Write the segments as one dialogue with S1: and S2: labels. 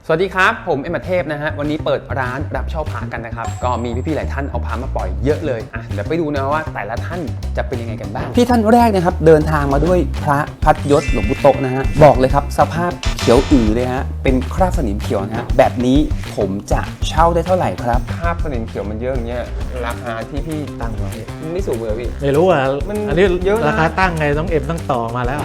S1: สวัสดีครับผมเอ็มเทพนะฮะวันนี้เปิดร้านรับเช่าพระกันนะครับก็มีพี่ๆหลายท่านเอาพระมาปล่อยเยอะเลยเดี๋ยวไปดูนะว่าแต่ละท่านจะเป็นยังไงกันบ้างพี่ท่านแรกนะครับเดินทางมาด้วยพระพัดยศหลวงปู่โตนะฮะบอกเลยครับสภาพเขียวอือเลยฮะเป็นคราบสนิมเขียวนะฮะแบบนี้ผมจะเช่าได้เท่าไหร่ครับคราบสนิมเขียวมันเยอะอย่างเงี้ยราคาที่พี่ตั้งไว้ไม่สูงเลยพี่
S2: ไม่รู้อ่ะอันนี้
S1: เยอะ
S2: ราคาตั้งไงต้องต้องต่อมาแล้ว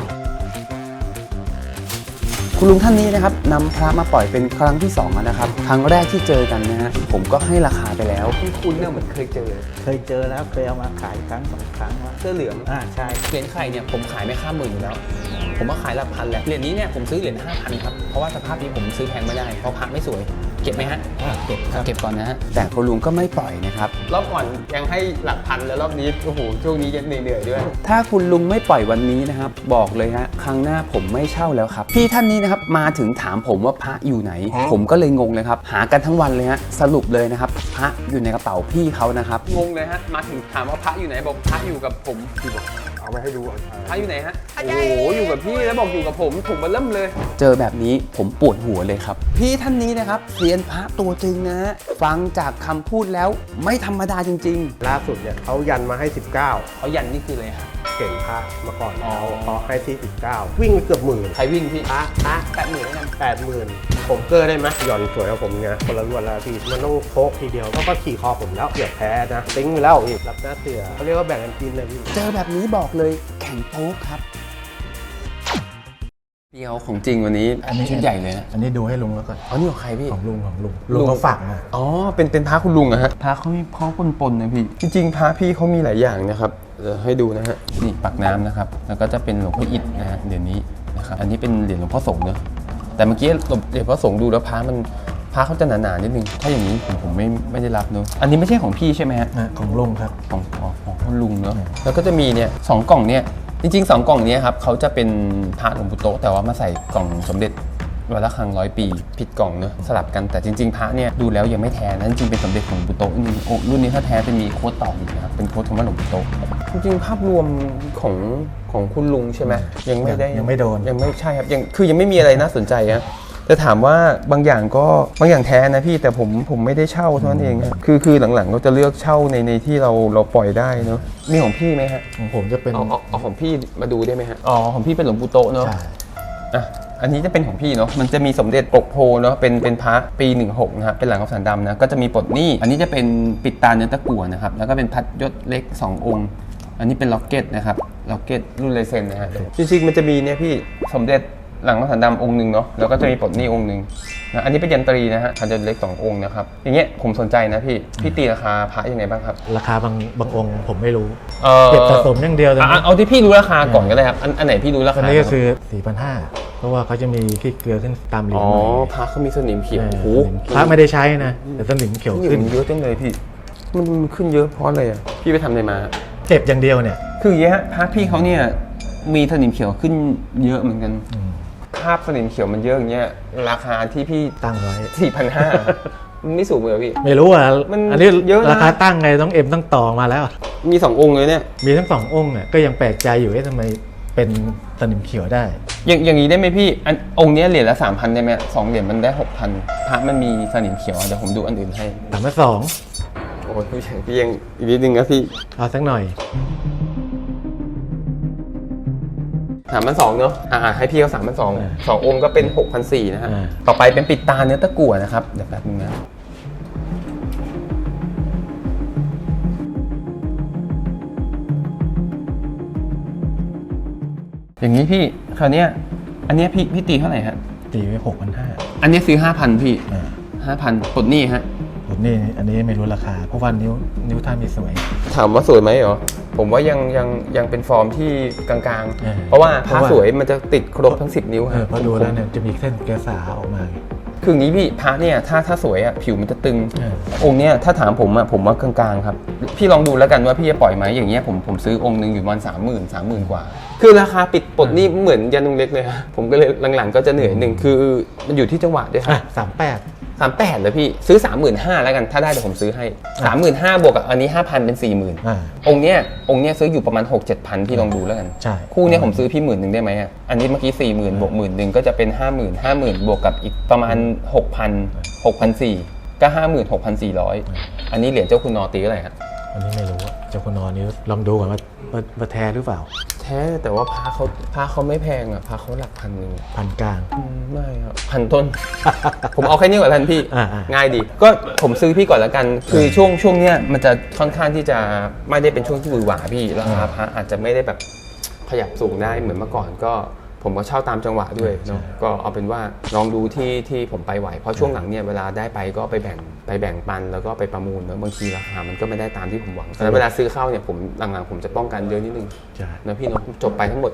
S1: คุณลุงท่านนี้นะครับนำพระมาปล่อยเป็นครั้งที่2แล้วนะครับครั้งแรกที่เจอกันนะฮะผมก็ให้ราคาไปแล้วคุณเนี่ยเหมือนเคยเจอ
S2: แล้วเคยเอามาขายครั้ง2 ครั้งว่า
S1: เสื้อเหลือง
S2: ใช่
S1: เหรียญไข่เนี่ยผมขายไม่ข้ามหมื่นอยู่แล้วผมว่าขายหลักพันแหละเหรียญนี้เนี่ยผมซื้อเหรียญ5,000ครับเพราะว่าสภาพนี้ผมซื้อแพงไม่ได้เพราะพระไม่สวยเก็บไหมฮะเก็บก่อนนะฮะแต่คุณลุงก็ไม่ปล่อยนะครับรอบก่อนยังให้หลักพันแล้วรอบนี้โอ้โหช่วงนี้ยังเหนื่อยด้วยถ้าคุณลุงไม่ปล่อยวันนี้นะครับบอกเลยฮะครั้งหน้าผมไม่เช่าแล้วครับพี่ท่านนี้นะครับมาถึงถามผมว่าพระอยู่ไหนผมก็เลยงงเลยครับหากันทั้งวันเลยฮะสรุปเลยนะครับพระอยู่ในกระเป๋าพี่เขานะครับงงเลยฮะมาถึงถามว่าพระอยู่ไหนบอกพระอยู่กับผมพี่บอก
S3: เอาไปให้ดู
S1: พระอยู่ไหนฮะโอ้โหอยู่กับพี่แล้วบอกอยู่กับผมถุงมันเริ่มเลยเจอแบบนี้ผมปวดหัวเลยครับพี่ท่านนี้นะครับเซียนพระตัวจริงนะฟังจากคำพูดแล้วไม่ธรรมดาจริง
S3: ๆล่าสุดเนี่ยเขายันมาให้19
S1: เขายันนี่คืออะไรครับ
S3: เก่งพระมาก่อนเขาให้ที่19วิ่งไปเกือบหมื่น
S1: ใครวิ่งพี่
S3: พระ
S1: 80,000แล้วกัน
S3: 80,000ผมเกอร์ได้ไหมหย่อนสวยกับผมไงคนละรวดแล้วพี่มันต้องโคกทีเดียวเขาก็ขี่คอผมแล้วเกือบแพ้นะติ้งไปแล้วอีกรับหน้าเสือเขาเรียกว่าแบ่งกันกินเลยพี่
S1: เจอแบบนี้บอกเลยแข่งโป๊กครับเดียวของจริงวันนี้ชุดใหญ่เลยนะ
S2: อันนี้ดูให้ลุงแล้วก็
S1: นี่ของใครพี่
S2: ของลุงเขาฝากมา
S1: เป็นพระคุณลุงอะฮะพระเขามีพ่อปนๆนะพี่จริงๆพระพี่เขามีหลายอย่างนะครับให้ดูนะฮะนี่ปากน้ำนะครับแล้วก็จะเป็นหลวงพ่ออิฐนะฮะเดี๋ยวนี้นะครับอันนี้เป็นเหรียญหลวงพ่อสงฆ์เนอะแต่เมื่อกี้เหรียญพ่อสงฆ์ดูแล้วพระเขาจะหนาๆนิดนึงถ้าอย่างนี้ผมไม่ได้รับเนอะอันนี้ไม่ใช่ของพี่ใช่ไหมฮะ
S2: ของลุงครับ
S1: ของคุณลุงเนอะแล้วก็จะมีเนี่ย2 กล่องเนี่ยจริงๆ2 กล่องนี้ครับเขาจะเป็นพระหลวงปู่โตแต่ว่ามาใส่กล่องสมเด็จวัดระฆัง100 ปีผิดกล่องเนอะสลับกันแต่จริงๆพระเนี่ยดูแล้วยังไม่แท้นะจริงๆเป็นสมเด็จของหลวงปู่โตรุ่นนี้ถ้าแท้จะมีโค้ดต่ออีกนะครับเป็นโค้ดคำว่าหลวงปู่โตจริงๆภาพรวมของคุณลุงใช่ไหมยังไม่
S2: โดน
S1: ยังไม่ใช่ครับยังไม่มีอะไรน่าสนใจนะจะถามว่าบางอย่างแท้นะพี่แต่ผมไม่ได้เช่าเท่านั้นเองคือหลังๆก็จะเลือกเช่าในที่เราปล่อยได้เนอะมีของพี่ไหมฮะ
S2: ของผมจะเป็น
S1: เอาของพี่มาดูได้ไหมฮะของพี่เป็นหลวงปู่โตเนอะอันนี้จะเป็นของพี่เนาะมันจะมีสมเด็จปกโพเนาะเป็นพระปี16นะครับเป็นหลังคำสันดำนะก็จะมีปลดหนี้อันนี้จะเป็นปิดตาเนื้อตะกั่วนะครับแล้วก็เป็นพัดยศเล็ก2 องค์อันนี้เป็นล็อกเก็ตนะครับล็อกเก็ตรุ่นเลเซนนะฮะจริงๆมันจะมีเนี่ยพี่สมเด็จหลังคำสันดำองค์หนึ่งเนาะแล้วก็จะมีปลดหนี้องค์หนึ่งนะอันนี้เป็นยันตรีนะฮะพัดยศเล็ก2 องค์นะครับอย่างเงี้ยผมสนใจนะพี่ตีราคาพระยังไงบ้างครับ
S2: ราคาบางองค์ผมไม่รู้เก็บสะสมอย่างเดียว
S1: เอาที่พี่รู้ราคาก่อนก็ได้ครับอันไหนพี่รู้ราคา
S2: อันนี้ก็คือ 4,500 เพราะว่าเขาจะมีขี้เกลือขึ้นตามเหรียญ
S1: พระเขามีสนิมเขียว
S2: พระไม่ได้ใช้นะแต่สนิมเขียวขึ้น
S1: เยอะจังเลยพี่มันขึ้นเยอะเพราะอะไรอ่ะพี่ไปทำอะไรมา
S2: เก็บอย่างเดียวเนี่ย
S1: คืออย่างเงี้ยพระพี่เขาเนี่ยมีสนิมเขียวขึ้นเยอะเหมือนกันคราบสนิมเขียวมันเยอะอย่างเงี้ยราคาที่พี่
S2: ตั้งไว้
S1: 4,500 มันไม่สูงเลยพี่
S2: ไม่รู้อ่ะอันนี้เยอะราคาตั้งไงต้องต่อมาแล้ว
S1: มี2 องค์เลยเนี่ย
S2: มีทั้ง2 องค์เนี่ยก็ยังแปลกใจอยู่ทำไมเป็นสนิมเขียวได้
S1: อย่างนี้ได้ไหมพี่องค์นี้เหรียญละ 3,000 ได้ไหม2 เหรียญมันได้ 6,000 พระมันมีสนิมเขียวเดี๋ยวผมดูอันอื่นให้
S2: 3,200
S1: โอ้ยพี่ยังอีกนิดนึงนะพี่
S2: เอาสักหน่อย
S1: 3,200 เนอะให้พี่เขา3,200 2 องค์ก็เป็น 6,400 นะฮะต่อไปเป็นปิดตาเนื้อตะกั่วนะครับเดี๋ยวแป๊บนึงนะอย่างนี้พี่คราวนี้อันนี้พี่ตีเท่าไหร่ฮะ
S2: ตีไว้ 6,500
S1: อันนี้ซื้อ 5,000 พี่ 5,000 ปลดหนี้ฮะ
S2: ปลดหนี้อันนี้ไม่รู้ราคาเพราะว่านิ้วท่านไม่สวย
S1: ถามว่าสวยไหมเหรอผมว่ายังเป็นฟอร์มที่กลางๆเพราะว่าพระสวยมันจะติดครบทั้ง10 นิ้วฮะ
S2: พอดูแล้วเนี่ยจะมีเส้นแกสาออกมา
S1: คืออย่างนี้พี่พระเนี่ยถ้าสวยอ่ะผิวมันจะตึงองค์เนี้ยถ้าถามผมอ่ะผมว่ากลางๆครับพี่ลองดูแล้วกันว่าพี่จะปล่อยไหมอย่างเงี้ยผมซื้อองค์นึงอยู่ประมาณ30,000 กว่าคือราคาปิดปลดนี่เหมือนยันนุงเล็กเลยฮะผมก็เลยหลังๆก็จะเหนื่อยหนึ่งคือมันอยู่ที่จังหวะด้วยครับ
S2: 38
S1: 38เลยพี่ซื้อ 35,000แล้วกันถ้าได้เดี๋ยวผมซื้อให้ 35,000บวกกับอันนี้ 5,000 เป็น 40,000องค์เนี้ยซื้ออยู่ประมาณ 6-7,000พี่ลองดูแล้วกัน
S2: ใช่
S1: คู่เนี้ยผมซื้อพี่10,000ได้ไหมอ่ะอันนี้เมื่อกี้ 40,000บวก10,000ก็จะเป็น 50,000 บวกกับอีกประมาณ 6,400 ก็ 56,400 อันนี้เหรียญเจ้าคุณนอตีเท่าไหร่ครับ
S2: อันนี้ไม่รู้อะเจ้าคุณนอนนี้ลองดูก่อนว่าแท้หรือเปล่า
S1: แท้แต่ว่าพระเขาไม่แพงอ่ะพระเขาหลักพันนึง
S2: พันกลาง
S1: ไม่ครับพันต้น ผมเอาแค่นี้ก่อนทันพี่ ง่ายดีก็ผมซื้อพี่ก่อนแล้วกัน คือช่วงเนี้ยมันจะค่อนข้างที่จะไม่ได้เป็นช่วงที่หวือหวาพี่ราคาพระอาจจะไม่ได้แบบขยับสูงได้เหมือนเมื่อก่อนก็ผมก็เช่าตามจังหวะด้วยเนาะก็เอาเป็นว่าลองดูที่ผมไปไหวเพราะช่วงหลังเนี่ยเวลาได้ไปก็ไปแบ่งปันแล้วก็ไปประมูลแล้วบางทีราคามันก็ไม่ได้ตามที่ผมหวังแต่เวลาซื้อเข้าเนี่ยผมหลังๆผมจะป้องกันเยอะนิดนึงนะพี่เนาะจบไปทั้งหมด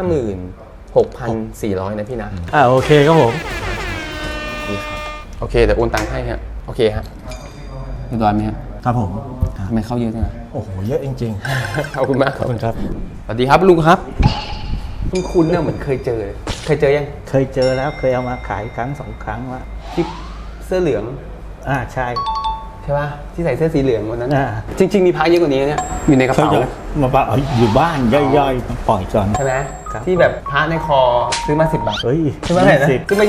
S1: 56,400 นะพี่นะ
S2: โอเคครับผม
S1: นี่ครับโอเคเดี๋ยวโอนตังค์ให้ฮะโอเคฮะเรียบร้อยไหมครับ
S2: ครับผม
S1: ทำไมเข้าเยอะจัง
S2: โอ้โหเยอะจริง
S1: ขอบคุณมาก
S2: ขอบคุณครับ
S1: สวัสดีครับลุงครับคุณเนี่ยเหมือนเคยเจอยัง
S4: เคยเจอแล้วเคยเอามาขายครั้ง2 ครั้งว่า
S1: ที่เสื้อเหลือง
S4: ใช่
S1: ใช่ป่ะที่ใส่เสื้อสีเหลืองวันนั้น
S4: อ่า
S1: จริงๆมีพระเยอะกว่านี้เนี่ยอยู่ในกระ
S4: เขา
S1: เป๋า
S4: จะมาบอกอยู่บ้านย่อยๆมาปล่อยก่อน
S1: ใช่ไหม
S4: ครับ
S1: ที่แบบพระในคอซื้อมา10 บาท
S4: เฮ้ย
S1: ซื้อมาเท่าไหร่นะ
S4: 20
S1: ซื้อมา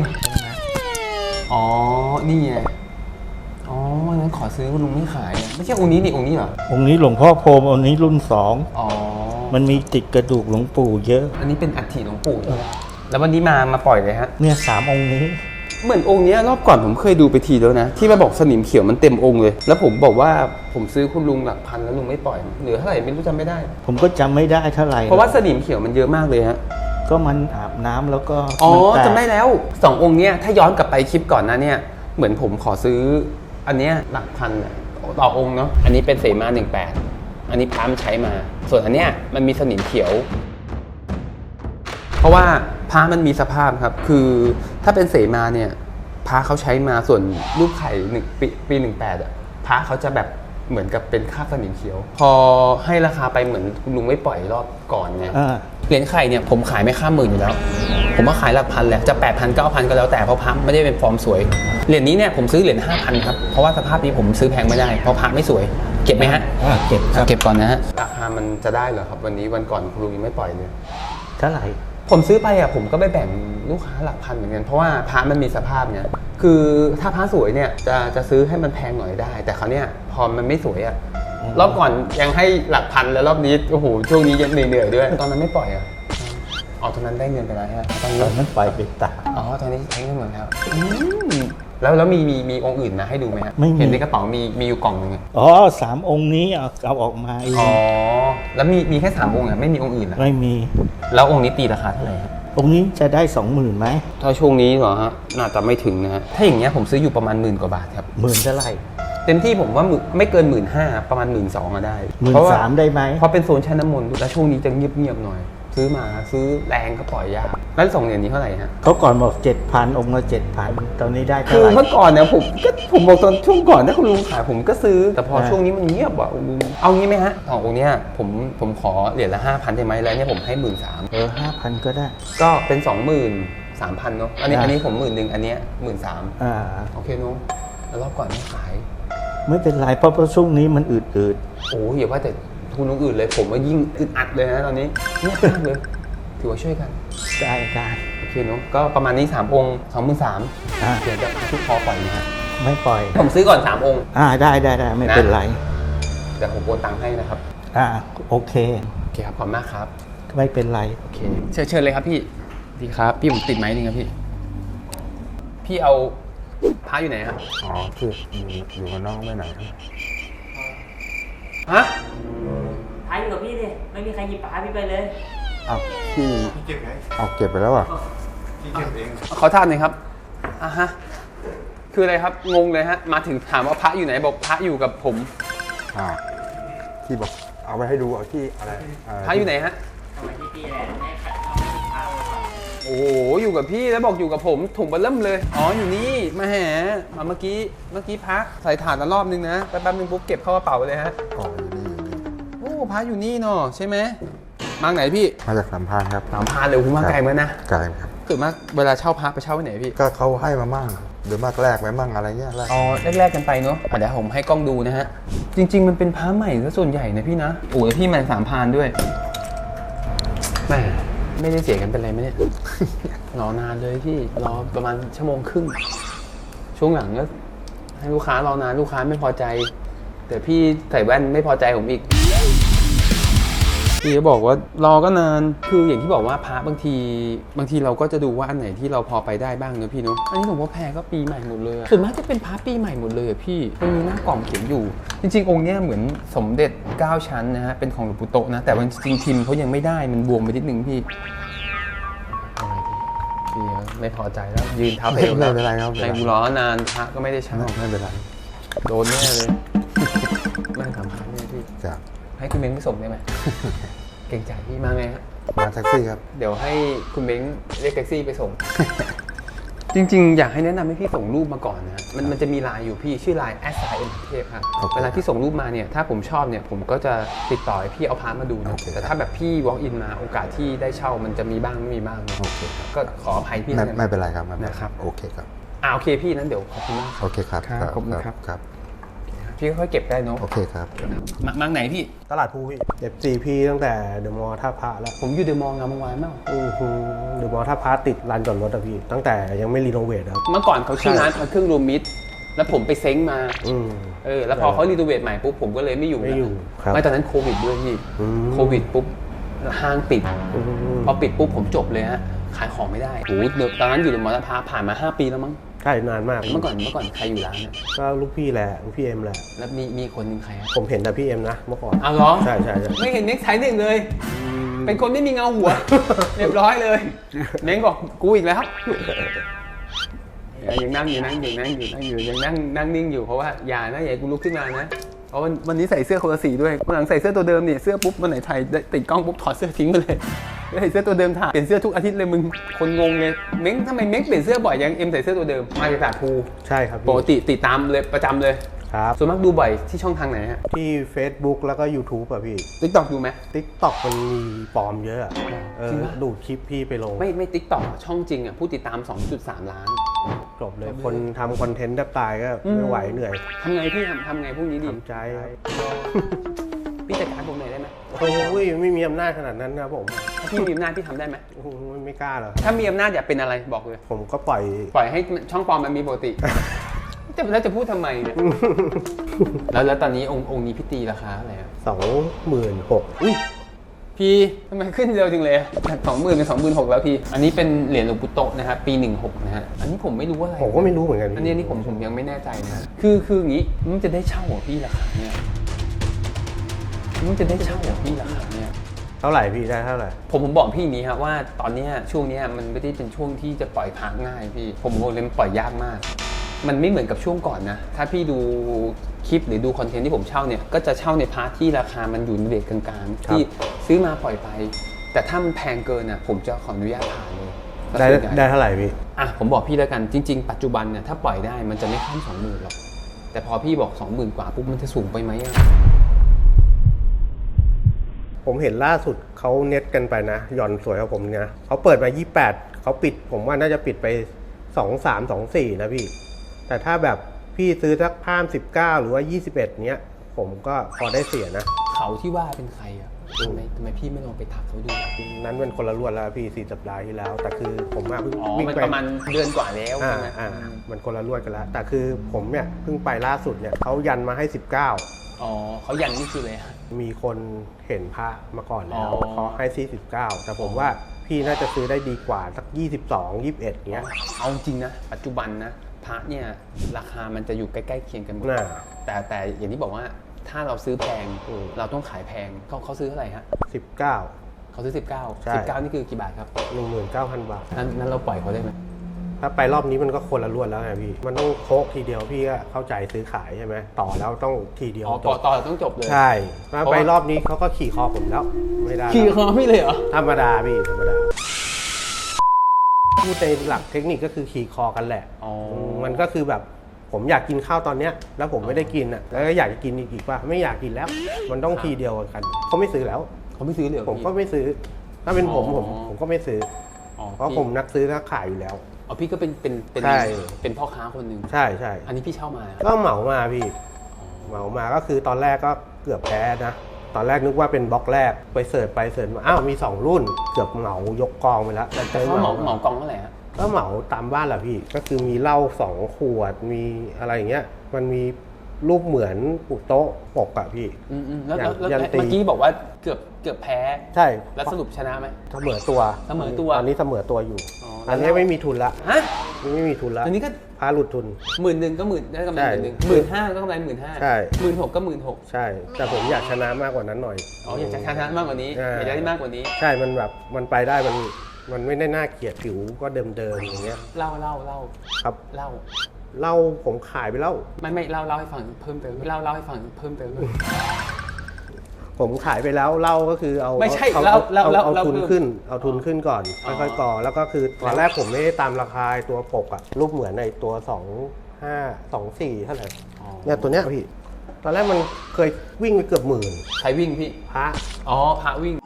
S1: 20อ๋อนี่ไงอ๋อวันนั้นขอซื้อคุณลุงไม่ขายอะไม่ใช่องค์นี้นี่องค์นี้เหรอ
S4: องค์นี้หลวงพ่อพรหมองค์นี้รุ่น
S1: อ๋อ
S4: 2 มันมีติดกระดูกหลวงปู่เยอะ
S1: อันนี้เป็นอัฐิหลวงปู่ใช่ไหมแล้ววันนี้มาปล่อยเลยฮะ
S4: เนี่ย3 องค์นี้
S1: เหมือนองค์เนี้ยรอบก่อนผมเคยดูไปทีแล้วนะที่มาบอกสนิมเขียวมันเต็มองค์เลย แล้วผมบอกว่าผมซื้อคุณลุงหลักพันแล้วลุงไม่ปล่อยเหลือเท่าไหร่ไม่รู้จำไม่ได้
S4: ผมก็จำไม่ได้เท่าไหร่
S1: เพราะว่าสนิมเขียวมันเยอะมากเลยฮะ
S4: ก็มันอาบน้ำแล้วก็
S1: อ๋อ
S4: มันแตก
S1: จำได้แล้ว2 องค์เนี้ยถ้าย้อนกลับไปคลิปก่อนนะเนี่ยเหมือนผมขอซื้ออันเนี้ยหลักพันอะต่อองค์เนาะอันนี้เป็นเสมา18อันนี้พามใช้มา ส่วนอันเนี้ยมันมีสนิมเขียว เพราะว่าพระมันมีสภาพครับคือถ้าเป็นเสมาเนี่ยพระเขาใช้มาส่วนรูปไข่ปี18อ่ะพระเขาจะแบบเหมือนกับเป็นคราบสนิมเขียว พอให้ราคาไปเหมือนคุณลุงไม่ปล่อยรอบก่อนไง เหรียญไข่เนี่ยผมขายไม่ข้าม10,000อยู่แล้วผมว่าขายหลักพันแหละจะ 8,000 9,000 ก็แล้วแต่เพราะพระไม่ได้เป็นฟอร์มสวยเหรียญนี้เนี่ยผมซื้อเหรียญ 5,000 ครับเพราะว่าสภาพนี้ผมซื้อแพงไม่ได้เพราะพระไม่สวยเก็บไหมฮะ
S4: เก็บครับ
S1: เก็บก่อนนะฮะราคามันจะได้เหรอครับวันนี้วันก่อนคุณลุงยังไม่ปล่อยเลย
S4: เท่าไหร่
S1: ผมซื้อไปอ่ะผมก็ไปแบ่งลูกค้าหลักพันเหมือนกันเพราะว่าพระมันมีสภาพเนี่ยคือถ้าพระสวยเนี่ยจะซื้อให้มันแพงหน่อยได้ แต่เขาเนี่ยพอมันไม่สวยอ่ะรอบก่อนยังให้หลักพันแล้วรอบนี้โอ้โหช่วงนี้ยังเหนื่อยๆด้วยตอนนั้นไม่ปล่อยอ่ะอ๋อตอนนั้นได้เงินไปแล้วฮะตอนนี้
S4: ตอนนั้นปล่อยไปตาก
S1: อ๋อตอนนี้ใช้เงินหมดแล้วแล้วมีองค์อื่นมาให้ดูไหมฮะ
S4: ไม่มี
S1: เห็นในกระเป๋ามีอยู่กล่องนึง
S4: 3 องค์นี้เอาออกมาเอง
S1: อ๋อแล้วมีแค่3 องค์อ่ะไม่มีองค์อื่นอ่ะ
S4: ไม่มี
S1: แล้วองค์นี้ตีราคาเท่าไหร่
S4: องค์นี้จะได้ 20,000ไหม
S1: ถ้าช่วงนี้เหรอฮะน่าจะไม่ถึงนะฮะถ้าอย่างเงี้ยผมซื้ออยู่ประมาณ10,000 กว่าบาทครับ
S4: 10,000เท่าไหร่
S1: เต็มที่ผมว่าไม่เกิน 15,000 ประมาณ 12,000ก็ได้
S4: 13,000ได้ไหม
S1: เพราะเป็นโซนชั้นน้ำมนต์แล้วช่วงนี้จะเงียบๆหน่อย ซื้อแรงก็ปล่อยยากแล้ว2 เหรียญนี้เท่าไหร่ฮะ
S4: เขาก่อนบอก 7,000 องค์ละ 7,000 ตอนนี้ได้
S1: คื
S4: เท่า
S1: อ
S4: ไหร่
S1: เมื่อก่อนเนี่ยผมบอกตอนช่วงก่อนถ้าคุณลุงขายผมก็ซื้อแต่พอช่วงนี้มันเงียบอ่ะเอางี้ไหมฮะขององค์เนี้ยผมขอเหรียญละ 5,000ได้ไหมแล้วเนี่ยผมให้ 13,000
S4: 5,000 ก็ได้
S1: ก็เป็น 23,000เนาะอันนี้ผม10,000อันเนี้ย13,000โอเคเนาะแล้วรอบก่อนไม่ขาย
S4: ไม่เป็นไรเพราะช่วงนี้มันอืด
S1: โอ้ยอย่าว่าแต่คุณลุงอื่นเลยผมว่ายิ่งอึดอัดเลยนะตอนนี้เงียบมากเลยถือว่าช่วยกัน
S4: ๆได้
S1: โอเคเนาะก็ประมาณนี้3 องค์ 23,000เดี๋ยวจะทุกคอปล่อยนะฮะ
S4: ไม่ปล่อย
S1: ผมซื้อก่อน3 องค์
S4: ได้ไม่เป็นไร
S1: เดี๋ยวผมโอนตังค์ให้นะครับ
S4: โอเค
S1: โอเคครับขอบคุณมากครับ
S4: ไม่เป็นไร
S1: โอเคเชิญเลยครับพี่ดีครับพี่ผมติดไม้นึงครับพี่เอาพระอยู่ไหนฮะ
S5: อ๋อคืออยู่กับน้องไปไหน
S1: ฮะ
S6: พาอยู่กับพี่ดิ ไม่มีใครหยิบปลาพี่ไปเลย
S5: อ้าวพี่เก็บไงเอาเก็บไปแล้วอ่ะ
S1: ขอทานหน่อยครับฮะคืออะไรครับงงเลยฮะมาถึงถามว่าพระอยู่ไหนบอกพระอยู่กับผม
S5: ที่บอกเอาไปให้ดูเอาที่อะไร
S1: พระอยู่ไหนฮะ
S6: เอาไปที่พี่แหละให้ขัดเอาพาไปก่อน
S1: โอ้โหอยู่กับพี่แล้วบอกอยู่กับผมถุงเบลเริ่มเลยอ๋ออยู่นี่มาแหมาเมื่อกี้พักใส่ถาดละรอบนึงนะแป๊บนึงปุ๊บเก็บเข้ากระเป๋าเลยฮะ
S5: อ๋ออยู่นี่
S1: โอ้พักอยู่นี่เนาะใช่ไหมมาไหนพี่
S5: มาจากสัมภาษณ์ครับ
S1: 3,000เลยคุณมาไกลเหมือนนะ
S5: ไกลครับ
S1: เกิดมาเวลาเช่าพักไปเช่าที่ไหนพี่
S5: ก็เขาให้มามั่งหรือมากแรกไหมมั่งอะไรเงี้ยแรก
S1: อ๋อแรกๆกันไปเนาะเดี๋ยวผมให้กล้องดูนะฮะจริง ๆมันเป็นพระใหม่ซะส่วนใหญ่นะพี่นะโอ้ยพี่มัน3,000ด้วยแม่ไม่ได้เสียกันเป็นไรไหมเนี่ย รอนานเลยพี่รอประมาณ1.5 ชั่วโมงช่วงหลังก็ให้ลูกค้ารอนานลูกค้าไม่พอใจแต่พี่ใส่แว่นไม่พอใจผมอีกพี่ก็บอกว่ารอก็นานคืออย่างที่บอกว่าพระบางทีเราก็จะดูว่าอันไหนที่เราพอไปได้บ้างเนอะพี่เนอะอันนี้หลวงพ่อแพรก็ปีใหม่หมดเลยส่วนมากจะเป็นพระปีใหม่หมดเลยอะพี่มันมีหน้ากล่องเขียนอยู่จริงๆองค์เนี้ยเหมือนสมเด็จ9ชั้นนะฮะเป็นของหลวงปู่โตะนะแต่ว่าจริงๆพิมพ์เขายังไม่ได้มันบวมไปนิดนึงพี่พี่ไม่พอใจแล้วยืนเท้าเอว
S5: ไม่เป็นไรครับ
S1: ในกูรอนานพระก็ไม่ได้เช่า
S5: ไม่เป็นไร
S1: โดนแน่เลยไม่สำคัญเนี่ยพี่
S5: จ้ะ
S1: ให้คุณเม้งไปส่งได้ไหม เก่งใจพี่มาไงฮะ
S5: มาแท็กซี่ครับ
S1: เดี๋ยวให้คุณเม้งเรียกแท็กซี่ไปส่ง จริงๆ อยากให้แนะนำให้พี่ส่งรูปมาก่อนนะมันจะมีไลน์อยู่พี่ชื่อไลน์ @sim ครับ
S5: โอเค
S1: เวลาที่ส่งรูปมาเนี่ยถ้าผมชอบเนี่ยผมก็จะติดต่อให้พี่เอาพาร์ทมาดูนะ
S5: โอเค
S1: แต่ถ้าแบบพี่ walk in มาโอกาสที่ได้เช่ามันจะมีบ้างไม่มีบ้างนะ
S5: โอเคครับ
S1: ก็ขออภัยพี่
S5: ไม่เป็นไรครับไม่เป็นไร
S1: นะครับ
S5: โอเคครับ
S1: โอเคพี่นั้นเดี๋ยวขอบคุณมากครับ
S5: โอเคครับ
S1: ครับขอบคุณครับ
S5: ครับ
S1: พี่ค่อยๆเก็บได้เนาะ
S5: โอเคครับ
S1: มาไหนพี่
S3: ตลาดภูพี่FC ตั้งแต่เดอะมอลล์ท่าพระแล้ว
S1: ผมอยู่เดอะมอลล์งามวงศ์วานเมื่อ
S3: เดอะมอลล์ท่าพระติดลานจอดรถอะพี่ตั้งแต่ยังไม่รีโนเวทครับ
S1: เมื่อก่อนเขาชื่อร้านพระเครื่องรวมมิตรแล้วผมไปเซ้งมา
S3: อืม
S1: แล้วพอเขารีโนเวทใหม่ปุ๊บผมก็เลยไม่อยู่
S3: ไม่อยู่ครับ
S1: ไม่ตอนนั้นโควิดด้วยพี่
S3: อืม
S1: โควิดปุ๊บห้างปิด
S3: อืม
S1: พอปิดปุ๊บผมจบเลยฮะขายของไม่ได้โอ้โหตอนนั้นอยู่ในมอเตอร์พาร์คผ่านมา5 ปีแล้วมั้ง
S3: ใช่นานมาก
S1: เมื่อก่อนใครอยู่ร้านเนี่ย
S3: ก็ลูกพี่แหละลูกพี่เอ็มแหละ
S1: แล้วมีคนหนึ่งใครฮะ
S3: ผมเห็นแต่พี่เอ็มนะเมื่อก่อน
S1: อ้าวเหรอ
S3: ใช่ใช่
S1: ไม่เห็นเน็กไทหนึ่งเลย เป็นคนไม่มีเงาหัว เรียบร้อยเลยเน็กบอกกูอีกแล้วยังนั่งอยู่ยังนั่งนิ่งอยู่เพราะว่าอย่านะอย่ากูลุกขึ้นมานะเพราะวันนี้ใส่เสื้อคนละสีด้วยวันหลังใส่เสื้อตัวเดิมเนี่ยเสื้อปุ๊บวันไหนถ่ายติดกล้องปุ๊บถอดเสื้อทิ้งไปเลยใส่เสื้อตัวเดิมถ่ายเปลี่ยนเสื้อทุกอาทิตย์เลยมึงคนงงเลยเม้งทำไมเม้งเปลี่ยนเสื้อบ่อยยังเอ็มใส่เสื้อตัวเดิมมาจากตลาดภู
S3: ใช่ครับพี่
S1: ปกติติดตามเลยประจำเลย
S3: ครับ
S1: ส่วนมากดูบ่อยที่ช่องทางไหนฮะ
S3: ที่ Facebook แล้วก็ YouTube อะพี่
S1: TikTok ดูไหม
S3: TikTok มันมีปลอมเยอะอะ
S1: จริงปะ
S3: ดูดคลิปพี่ไปลง
S1: ไม่ TikTok ช่องจริงอ่ะผู้ติดตาม 2.3 ล้าน
S3: จบเลย คนทำคอนเทนต์แทบตายก็ไม่ไหวเหนื่อย
S1: ทำไงพี่ทำไงพวกนี้ดี
S3: ทำใจ
S1: พี่จัดการผมหน่อยได้ไหม
S3: โอ้ยไม่มีอำนาจขนาดนั้นนะผม
S1: ถ้าพี่มีอำนาจพี่ทำได้ไหม
S3: โอ้โหไม่กล้าหรอก
S1: ถ้ามีอำนาจอยากเป็นอะไรบอกเลย
S3: ผมก็ปล่อย
S1: ปล่อยให้ช่องปลอมมันมีปกติ แล้วจะพูดทำไมเนี่ย แล้วตอนนี้องค์นี้พี่ตีราคาอะไรอ่ะ
S3: 26,000
S1: อุ้ยพี่ทำไมขึ้นเร็วจังเลยจาก20,000เป็น26,000แล้วพี่ อันนี้เป็นเหรียญหลวงปู่โตะนะครับปี16นะฮะอันนี้ผมไม่รู้ว่าอะไร
S3: ผมก็ไม่รู้เหมือนกัน
S1: อันนี้ผมยังไม่แน่ใจนะคืออย่างนี้มันจะได้เช่าเหรอพี่ราคาเนี่ยมันจะได้เช่าเหรอพี่ราคาเนี่ย
S3: เท่าไหร่พี่ได้เท่าไหร่
S1: ผมบอกพี่นี้ครับว่าตอนเนี้ยช่วงเนี้ยมันไม่ได้เป็นช่วงที่จะปล่อยพักง่ายพี่ผมบอกเลยมันปล่อยยากมาก มันไม่เหมือนกับช่วงก่อนนะถ้าพี่ดูคลิปหรือดูคอนเทนต์ที่ผมเช่าเนี่ยก็จะเช่าในพาร์ทที่ราคามันอยู่ในเรทกลางๆที่ซื้อมาปล่อยไป แต่ถ้ามันแพงเกินอ่ะผมจะขออนุญาตผ่านเลย
S3: ได้เท่าไหร่พี่
S1: อ่ะผมบอกพี่แล้วกันจริง ๆ ปัจจุบันเนี่ยถ้าปล่อยได้มันจะไม่ข้าม 20,000หรอกแต่พอพี่บอก 20,000 กว่าปุ๊บมันจะสูงไปไหมอ่ะ
S3: ผมเห็นล่าสุดเขาเน็ตกันไปนะหย่อนสวยกว่าผมนะเขาเปิดมา28เขาปิดผมว่าน่าจะปิดไป23 24นะพี่แต่ถ้าแบบพี่ซื้อสักพาม19หรือว่า21เนี้ยผมก็พอได้เสียนะ
S1: เขาที่ว่าเป็นใครอ่ะทำไมพี่ไม่ลองไปทักเขาดู
S3: นั้นเป็นคนละรวดแล้วพี่4 สัปดาห์ที่แล้ว แต่คือผมเพิ่ง
S1: อ๋อ
S3: วิ่ง
S1: มัน
S3: ไป
S1: ประมาณเดือนกว่าแล้วใช่ไหม
S3: มันคนละรวดกันแล้ว แต่คือผมเนี่ยเพิ่งไปล่าสุดเนี่ยเขายันมาให้19
S1: อ๋อเขายันนี่คือเลยฮะ
S3: มีคนเห็นพระมาก่อนแล้ว
S1: อ๋อ
S3: เขาให้49แต่ผมว่าพี่น่าจะซื้อได้ดีกว่าสัก22 21เงี้ย
S1: เอาจริงนะปัจจุบันนะพระเนี่ยราคามันจะอยู่ใกล้ๆเคียงกันหมด
S3: น่า
S1: แต่อย่างที่บอกว่าถ้าเราซื้อแพงเราต้องขายแพงเขาซื้อเท่าไหร่ฮะ
S3: 19
S1: เขาซื้อ19
S3: ใช่
S1: 19นี่คือกี่บาทครับ
S3: 19,000 บาท
S1: นั้นเราปล่อยเขาได้ไหม
S3: ถ้าไปรอบนี้มันก็คนละรวดแล้วไงพี่มันต้องโค้กทีเดียวพี่ก็เข้าใจซื้อขายใช่ไหมต่อแล้วต้องทีเดียว
S1: อ๋อ
S3: จบ
S1: ต่อต้องจบเลย
S3: ใช่มาไปรอบนี้เขาก็ขี่คอผมแล้วไม่ได้แล้ว
S1: ขี่คอพี่เลยเหรอ
S3: ธรรมดาพี่ธรรมดาพูดในหลักเทคนิคก็คือขี่คอกันแหละ
S1: อ๋อ
S3: มันก็คือแบบผมอยากกินข้าวตอนเนี้ยแล้วผมไม่ได้กินอ่ะแล้วก็อยากจะกินอีกว่าไม่อยากกินแล้ว มันต้องทีเดียวกันเขาไม่ซื้อแล้ว
S1: เขาไม่ซื้อเลยเหรอ
S3: ผม
S1: พี่
S3: ก็ไม่ซื้อ ถ้าเป็นผม
S1: อ๋อ
S3: ผมก็ไม่ซื้อ
S1: อ๋อ
S3: เพราะผมนักซื้อนักขายอยู่แล้ว
S1: อ๋อพี่ก็เป็น
S3: ใช่
S1: เป็นพ่อค้าคนหนึ่ง
S3: ใช่ใช่
S1: อันนี้พี่เช่ามา
S3: ก็เหมามาพี่เหมามาก็คือตอนแรกก็เกือบแพ้นะตอนแรกนึกว่าเป็นบล็อกแรกไปเสิร์ชไปเสิร์ชมาอ้าวมี2รุ่นเกือบเหมายกกองไปแล้ว
S1: แต่เขาเหมากองเท่าไหร่ฮะ
S3: ก็เหมาตามบ้านแหละพี่ก็คือมีเหล้า2 ขวดมีอะไรอย่างเงี้ยมันมีรูปเหมือนปุโต๊ะปกอะพี่
S1: แล้ว
S3: ยันตี
S1: เมื่อกี้บอกว่าเกือบแพ้
S3: ใช่
S1: แล้วสรุปชนะไหม
S3: เสมอตัว
S1: เสมอตัว
S3: ตอนนี้เสมอตัวอยู่
S1: อ๋อ
S3: อันนี้ไม่มีทุนละ
S1: ฮะ
S3: ไม่มีทุนละ
S1: อันนี้ก็
S3: พาหลุดทุน
S1: 10,000ก็ได้กำไร
S3: ใช่
S1: 10,000ก็กำไร15,000
S3: ใช่
S1: 16,000ก็16,000
S3: ใช่ แต่ผมอยากชนะมากกว่านั้นหน่อย
S1: อ๋ออยากจะชนะมากกว่านี้
S3: อ่า
S1: อยากจะได้มากกว่านี้
S3: ใช่มันแบบมันไปได้มันไม่ได้น่าเกลียดผิวก็เดิมๆอย่างเงี้ย
S1: เล่า
S3: ครับ
S1: เล่า
S3: เหล้าผมขายไปแล้ว
S1: ไม่เล่าให้ฟังเพิ่มเติมเล่าให้ฟังเพิ่มเติม
S3: ผมขายไปแล้วเหล้าก็คือเอา
S1: ไม่ใช่
S3: เอา
S1: เหล้า
S3: เอาทุน
S1: เพิ่ม
S3: ขึ้นเอาทุนขึ้นก่อน
S1: อ๋อ
S3: ค่อยๆก่อแล้วก็คือตอนแรกผมไม่ได้ตามราคาตัวปกอะรูปเหมือนในตัว2524เท่าไหร่เนี่ยตัวเนี้ยพี่ตอนแรกมันเคยวิ่งไปเกือบ10,000
S1: ใครวิ่งพี่
S3: พระ
S1: อ๋อพระวิ่ง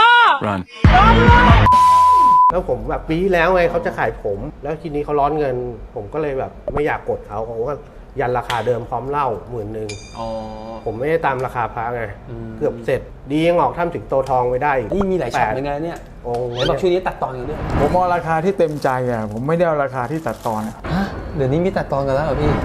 S3: แล้วผมแบบปีที่แล้วไงเขาจะขายผม แล้วทีนี้เขาร้อนเงิน ผมก็เลยแบบไม่อยากกดเขาก็ยันราคาเดิมพร้อมเหล้า10,000
S1: อ๋อ
S3: ผมไม่ได้ตามราคาพระไง
S1: อืม
S3: เกือบเสร็จ ดียังออกถ้ำถึงโตทองไปได้อีก
S1: นี่มีหลายช็อต
S3: 8
S1: เหมือนกันนะเนี่ย
S3: องค์
S1: ไหนบอกช่วงนี้ตัดตอนกันด้วย
S5: ผมเอาราคาที่เต็มใจอ่ะผมไม่ได้เอาราคาที่ตัดตอนอะ
S1: ฮะเดี๋ยวนี้มีตัดตอนกันแล้วเหรอพี่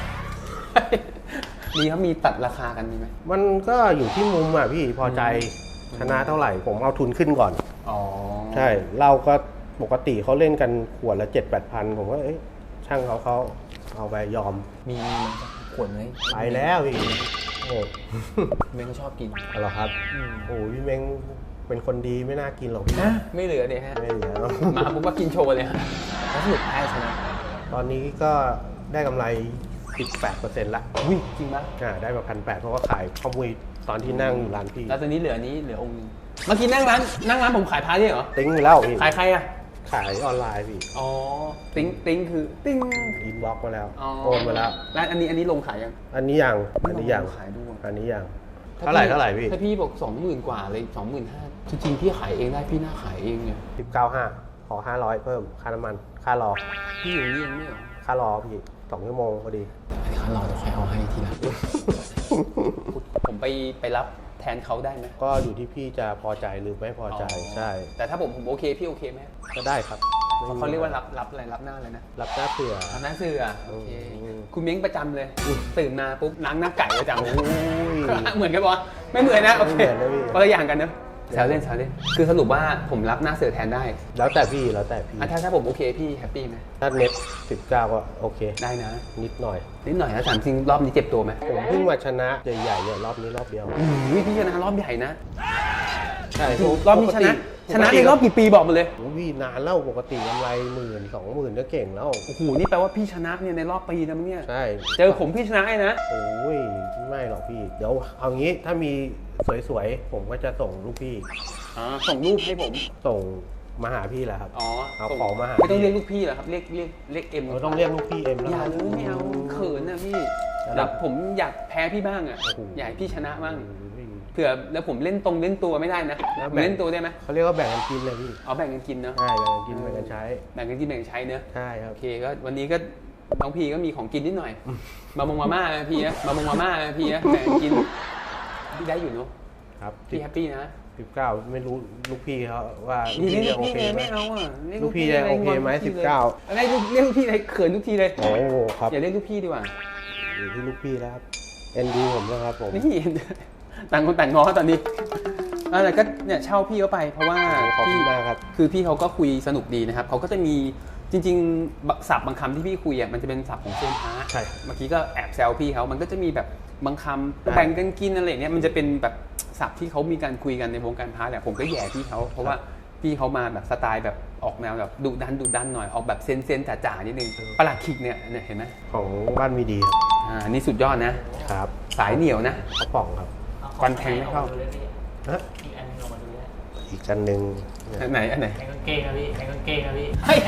S1: มีเขามีตัดราคากันมีไหม
S3: มันก็อยู่ที่มุมอ่ะพี่พอใจชนะเท่าไหร่ ผมเอาทุนขึ้นก่อน
S1: อ๋อ
S3: ใช่เราก็ปกติเขาเล่นกันขวดละ 7-8 พันผมก็ช่างเขาเอาไปยอม
S1: มีขวดไหม
S3: ไปแล้วพี่โอ้
S1: เมงก็ชอบกิน
S3: เอาเหรอครับโอ้พี่เม้งเป็นคนดีไม่น่ากินหรอกพี่
S1: ไม่เหลือเนี่ยฮะ
S3: ไม่เหลือ
S1: มาปุ๊บก็กินโชว์เลยฮะแล้วสรุปแพ้ชนะ
S3: ตอนนี้ก็ได้กำไร 18% ละ
S1: อุ้ยจริงปะ
S3: ได้มา1,800เพราะว่าขายข้าวมุยตอนที่นั่งอยู่ร้านพี่
S1: แล้วตอนนี้เหลือนี้เหลือองค์นึงเมื่อกี้นั่งร้านผมขายพาร์ทนี่เหรอ
S3: ติ้งไปแล้วพี่
S1: ขายใครอะ
S3: ขายออนไลน์พี่
S1: อ๋อติ้งคือติ้ง
S3: อินบ็อกมาแล้ว
S1: อ๋อ
S3: โอนมาแล้ว
S1: แล้วอันนี้ลงขายยัง
S3: อันนี้ยังอันนี้ยัง
S1: ขายด้วย
S3: อันนี้ยังเท่าไหร่พี่
S1: ถ้าพี่บอก20,000 กว่าเลย25,000จริงๆพี่ขายเองได้พี่น่าขายเองเนี่ย
S3: 19.5ขอ500เพิ่มค่าน้ำมันค่ารอ
S1: พี่อยู่นี่เองไม่เหรอ
S3: ค่ารอพี่2 ชั่วโมงพอดี
S1: อันนี้เขารอจะค่อยเอาให้ทีหลัง ผมไปรับแทนเขาได้ไหม
S3: ก็อยู่ที่พี่จะพอใจหรือไม่พอใจใช่
S1: แต่ถ้าผมโอเคพี่โอเคไหม
S3: ก็ได้ครับ
S1: เขาเรียกว่ารับอะไรรับหน้าอะไรนะ
S3: รับหน้าเสือ
S1: รับหน้าเสือโอเค
S3: อืม
S1: คุณเม้งประจำเลยตื่นมาปุ๊บล้างหน้าไก่ประจำ
S3: โอ้ย
S1: เหมือนกันปะไม่เหมือนนะโอเค
S3: ไม่เหมือนนะพี่
S1: คนละอย่างกันเนอะแซวเล่นคือสรุปว่าผมรับหน้าเสือแทนได้
S3: แล้วแต่พี่แล้วแต่พี่
S1: ถ้าผมโอเคพี่แฮปปี้ไหม
S3: ถ้าเน็ต19ก็โอเค
S1: ได้นะ
S3: นิดหน่อย
S1: นิดหน่อยนะถามจริงรอบนี้เจ็บตัวไหม
S3: ผมเพิ่งมาชนะใหญ่ๆเนี่ยรอบนี้รอบเดียว
S1: พี่ชนะรอบใหญ่นะ
S3: ใช่
S1: รอบนี้ชนะในรอบกี่ปีบอกมาเลย
S3: โอ้ยนานแล้วปกติกำไร10,000-20,000ก็เก่งแล้ว
S1: โอ้โหนี่แปลว่าพี่ชนะเนี่ยในรอบปีนะมั้งเนี่ย
S3: ใช่
S1: เจอผมพี่ชนะไอ้นะ
S3: โอ้ยไม่หรอกพี่ เดี๋ยวเอางี้ถ้ามีสวยๆผมก็จะส่งลูกพี่
S1: ส่งรูปให้ผม
S3: ส่งมาหาพี่แหละครับ
S1: อ๋อ
S3: เอา
S1: ส่
S3: ของมาหา
S1: ไม่ต้องเรียกลูกพี่เหรอครับเรียกเอ็ม
S3: เราต้องเรียกลูกพี่เอ็มแล้ว
S1: อย่าเลยไม่เอาเขินนะพี่แบบผมอยากแพ้พี่บ้างอ่ะ
S3: โอ้โห
S1: อยากให้พี่ชนะบ้าง
S3: โอ้ย
S1: เผื่อแล้วผมเล่นตัวไม่ได้นะ
S3: แล้ว
S1: ผม
S3: แบ่ง
S1: เล่นตัวได้ไหม
S3: เขาเรียกว่าแบ่งกันกินเลยพี่
S1: เอาแบ่งกันกินเนอะ
S3: ใช่แบ่งกันกินแบ่งกันใช้
S1: แบ่งกันกินแบ่งกันใช้เนอะ
S3: ใช่ครับ
S1: โอเคก็วันนี้ก็น้องพีก็มีของกินนิดหน่อยมาม่านะพี่นะมาม่านะพี่นะแบ่งกันกินพี่ได้อยู่เนอะ
S3: ครับ
S1: พี่แฮปปี้นะ
S3: 19ไม่รู้ลูกพี่เขาว่าลู
S1: นี่
S3: ก
S1: เรี
S3: พี่
S1: ยก
S3: จะโอ
S1: พี่
S3: เค
S1: ไง
S3: ไหม
S1: ไม่เอาอ่ะเรีย
S3: ลูกพี่จะโอเคไหม 19
S1: อะไรเรียกลูกพี่อะไรเขินทุกทีเลย
S3: โอ้โหครับ
S1: อย่าเรียกลูกพี่ดีกว่า
S3: อยู่ที่ลูกพี่แล้วครับเอ็นดูผมแล้วครับผม
S1: นี่ ต่างคนต่างง้อตอนนี้แต่ก็เนี่ยเช่าพี่เขาไปเพราะว่า
S3: ขอบคุ
S1: พี่
S3: ณมากครับ
S1: คือพี่เขาก็คุยสนุกดีนะครับเขาก็จะมีจริงๆศัพท์บางคำที่พี่คุยอ่ะมันจะเป็นศัพท์ของเซียนพระ
S3: ใช่
S1: เมื่อกี้ก็แอบแซวพี่เขามันก็จะมีแบบบางคำ
S3: ใช่
S1: แบ่งกันกินอะไรอย่างเงี้ยมันจะเป็นแบบศัพท์ที่เขามีการคุยกันในวงการพระแหละผมก็แย่พี่เขาเพราะว่าพี่เขามาแบบสไตล์แบบออกแนวแบบดุดันหน่อยออกแบบเซนจ๋าๆนิดนึงประหลัดขิกเนี่ยเห็นไหม
S3: ของบ้านมีดี
S1: อันนี้สุดยอดนะ
S3: ครับ
S1: สายเหนียวนะ
S3: กระป๋องครับ
S1: ควันแทงไม่เข้า
S3: ฮะ
S6: อีกอันหนึงออกมาดูได้
S3: อีกอันหนึ่งเนี่ย
S1: อันไหน
S6: แทงกางเกงครับพี่แทงกางเกงครับพี่
S1: เฮ้ย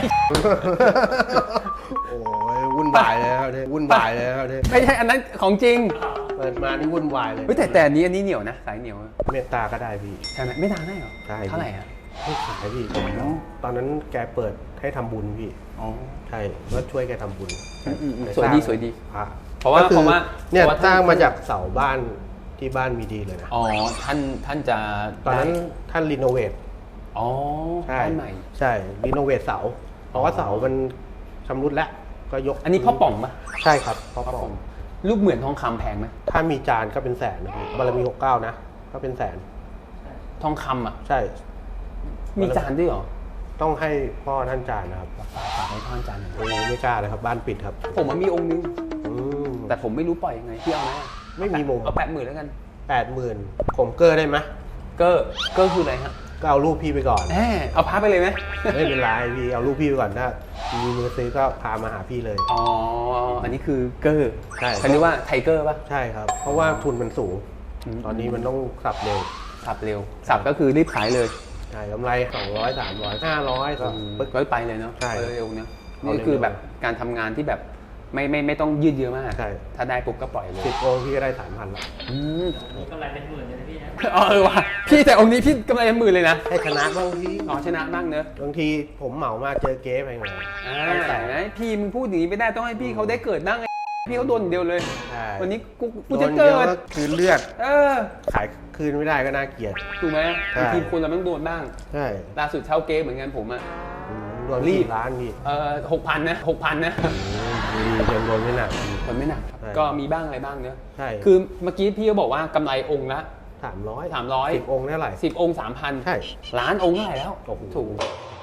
S3: โอ้ยวุ่นวายเลยครับเนี่ยวุ่นวายเลยครับเนี่ย
S1: ไม่ใช่อันนั้นของจริง
S3: เปิดมานี่วุ่นวายเลย
S1: เฮ้ยแต่อันนี้เหนียวนะสายเหนียว
S3: เมตตาก็ได้พี่
S1: ใช่ไหมไม่นานได้เหรอ
S3: ใช่
S1: เท่าไหร่ฮะ
S3: ไม่ขายพี่ตอนนั้นแกเปิดให้ทำบุญพี่
S1: อ๋อ
S3: ใช่ก็ช่วยแกทำบุญ
S1: สวยดีสวยดี
S3: พระ
S1: เพราะว่า
S3: ก็คือ
S1: เพราะว่า
S3: เนี่ย
S1: เพราะว่า
S3: สร้างมาจากเสาบ้านที่บ้านมีดีเลยนะ
S1: อ๋อท่านจะ
S3: ตอนนั้น
S1: ได้
S3: ท่านรีโนเวท
S1: อ๋อ
S3: ใช่
S1: บ้านใหม่
S3: ใช่รีโนเวทเสา เพราะว่าเสามันชำรุดแล้วก็ยก
S1: อันนี้พ่อป่องปะ
S3: ใช่ครับพ่อป่อง
S1: รูปเหมือนทองคำแพงไหม
S3: ถ้ามีจานก็เป็นแสนนะพี่บารมี69นะก็เป็นแสน
S1: ทองคำอ่ะ
S3: ใช่
S1: มีจานด้วยเหรอ
S3: ต้องให้พ่อท่านจานนะครับ
S1: ฝากให้พ่อจานหน่อย
S3: โอ้ไม่กล้าเลยครับบ้านปิดครับ
S1: ผมมันมีองค์นึง
S3: อืม
S1: แต่ผมไม่รู้ปล่อยยังไงพี่เอาไหม
S3: ไม่มีมุม
S1: เอา80,000แล้วกัน
S3: 80,000ผมเกอร์ได้ไหม
S1: เกอร์คืออะไรฮะ
S3: ก็เอารูปพี่ไปก่อน
S1: แหมเอาพาไปเลยไหม
S3: ไม่เป็นไรพี่เอารูปพี่ไปก่อนถ้ามีมือซื้อก็พามาหาพี่เลย
S1: อ๋อ อันนี้คือเกอร์
S3: ใช่
S1: เขาเรียกว่าไทเกอร์ป่ะ
S3: ใช่ครับ เพราะว่าทุนมันสูง
S1: อืม
S3: ตอนนี้มันต้องสับเร็ว
S1: สับเร็ว สับก็คือรีบขายเลย
S3: ใช่กำไร200 300 500ก็ปึ๊ก
S1: ก็ไปเลยเนาะ
S3: ใช่
S1: เร็วๆเนาะ
S3: เอา
S1: นี่คือ
S3: เร็วๆ
S1: แบบการทำงานที่แบบไม่ต้องยืดเยอะมาก
S3: ใช่
S1: ถ้าได้ปุ๊บก็ปล่อยเลย
S3: 10 องค์พี่ก็ได้ 3,000แล้ว
S1: อืม
S6: มีกำไรเป็นหมื่นเลยนะพี่นะ
S1: อ๋อว่ะพี่แต่องค์นี้พี่กำไรเป็นหมื่นเลยนะ
S3: ให้ชนะบ้างพี่
S1: อ๋อชนะบ้างเนอะ
S3: บางทีผมเหมามาเจอเก๊ไปไง
S1: แต่นะพี่มึงพูดอย่างนี้ไม่ได้ต้องให้พี่เขาได้เกิดบ้างไงพี่เขาโดนอย่างเดียวเลย
S3: ใช่
S1: วันนี้กู
S3: โด
S1: จะ
S3: น
S1: เกิ
S3: เดียว
S1: ด
S3: ก็คือเลือด
S1: เออ
S3: ขายคืนไม่ได้ก็น่าเกลียด
S1: ถูกไหม
S3: ใช่
S1: บางทีคนเราต้องโดนบ้าง
S3: ใช่
S1: ล่าสุดเช่าเก๊เหมือนกันผมอ่ะ
S3: รวม
S1: รีบ
S3: 4 ล้านพี่
S1: 6,000นะ6,000นะ
S3: ดียังโดนไม่หนัก
S1: มันไม่หนักครับ
S3: ใช่
S1: ก็มีบ้างอะไรบ้างเนอะ
S3: ใช่
S1: คือเมื่อกี้พี่ก็บอกว่ากำไรองค์ละ
S3: 300
S1: 300
S3: 10 องค์เท่าไหร่
S1: 10 องค์ 3,000
S3: ใช่
S1: ล้านองค์เท่าไหร่แล้ว
S3: โอ้โห
S1: ถูก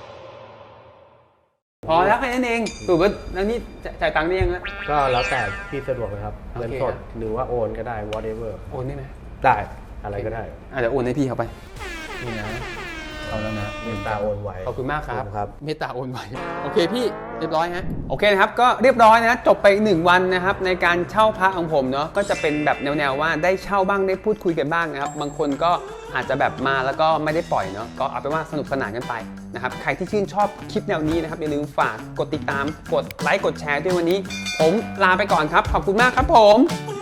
S1: พอแล้วแค่นั้นเองถูกป่ะแล้วนี่จ่ายตังค์ได้ยังนะ
S3: ก็แล้วแต่พี่สะดวกนะครับ
S1: โอเค
S3: เงินสดหรือว่าโอนก็ได้ whatever
S1: โอนได้ไหม
S3: ได้อะไรก็ได้
S1: อาจจะโอนให้พี่เขาไปนี่นะเอาแล้วนะ
S3: เมตตาโอนไว
S1: ขอบคุณมากครับ
S3: ครับ
S1: เมตตาโอนไวโอเคพี่เรียบร้อยฮะโอเคนะครับก็เรียบร้อยนะจบไป1 วันนะครับในการเช่าพระของผมเนาะก็จะเป็นแบบแนวๆว่าได้เช่าบ้างได้พูดคุยกันบ้างนะครับบางคนก็อาจจะแบบมาแล้วก็ไม่ได้ปล่อยเนาะก็เอาเป็นว่าสนุกสนานกันไปนะครับใครที่ชื่นชอบคลิปแนวนี้นะครับอย่าลืมฝากกดติดตามกดไลค์กดแชร์ด้วยวันนี้ผมลาไปก่อนครับขอบคุณมากครับผม